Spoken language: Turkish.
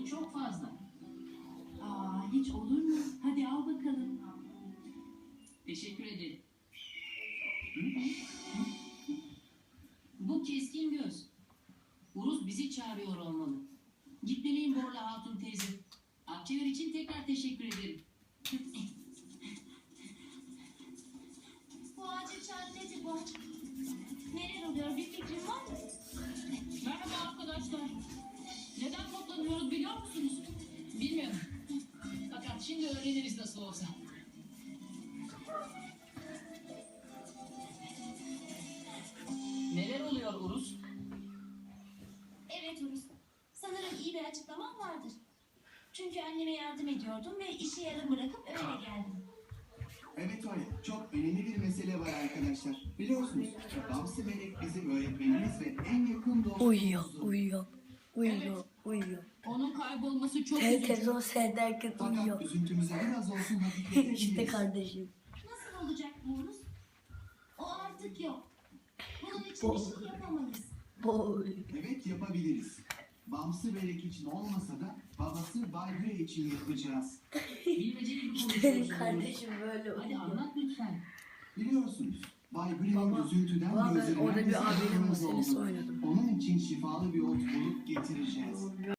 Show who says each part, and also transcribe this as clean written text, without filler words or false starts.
Speaker 1: çok fazla.
Speaker 2: Hiç olur mu? Hadi al bakalım.
Speaker 1: Teşekkür ederim. Bu keskin göz. Uruz bizi çağırıyor olmalı. Gitmeliyim Borla Hatun teyze. Akçeler için tekrar teşekkür ederim.
Speaker 3: Bu acil çağrı nedir bu? Neler oluyor? Bir fikrin var mı?
Speaker 1: Merhaba arkadaşlar. Neden toplanıyoruz biliyor musunuz? Bilmiyorum. Fakat şimdi öğreniriz nasıl olsa. Neler oluyor Uruz?
Speaker 3: Evet Uruz. Sanırım iyi bir açıklamam vardır. Çünkü anneme yardım ediyordum ve işi yarım bırakıp öyle geldim.
Speaker 4: Evet öyle. Çok önemli bir mesele var arkadaşlar. Biliyorsunuz Bamsı Melek bizim öğretmenimiz ve en yakın
Speaker 5: Uyuyor.
Speaker 1: Onun kaybolması çok
Speaker 5: Televizyon seyrederken
Speaker 4: Fakat
Speaker 5: uyuyor.
Speaker 4: üzüntümüze biraz olsun hafifletebiliriz.
Speaker 5: İşte kardeşim.
Speaker 3: Nasıl olacak bu Uruz? O artık yok. Bunun için bir şey yapamayız.
Speaker 5: Boy.
Speaker 4: Evet yapabiliriz. Bamsı Melek için olmasa da babası Bay Gray için yapacağız.
Speaker 1: bilmeceli bir
Speaker 5: İşte
Speaker 1: konuşuyoruz.
Speaker 5: kardeşim böyle
Speaker 1: Hadi
Speaker 5: uyuyor.
Speaker 1: anlat lütfen.
Speaker 4: Biliyorsunuz Bay Gray'in
Speaker 5: Baba,
Speaker 4: üzüntüden
Speaker 5: ben
Speaker 4: gözlerinden
Speaker 5: orada bir
Speaker 4: bize
Speaker 5: abinin
Speaker 4: kırmızı
Speaker 5: meselesi
Speaker 4: oldu.
Speaker 5: oynadım.
Speaker 4: Onun için şifalı bir ot bulup getireceğiz.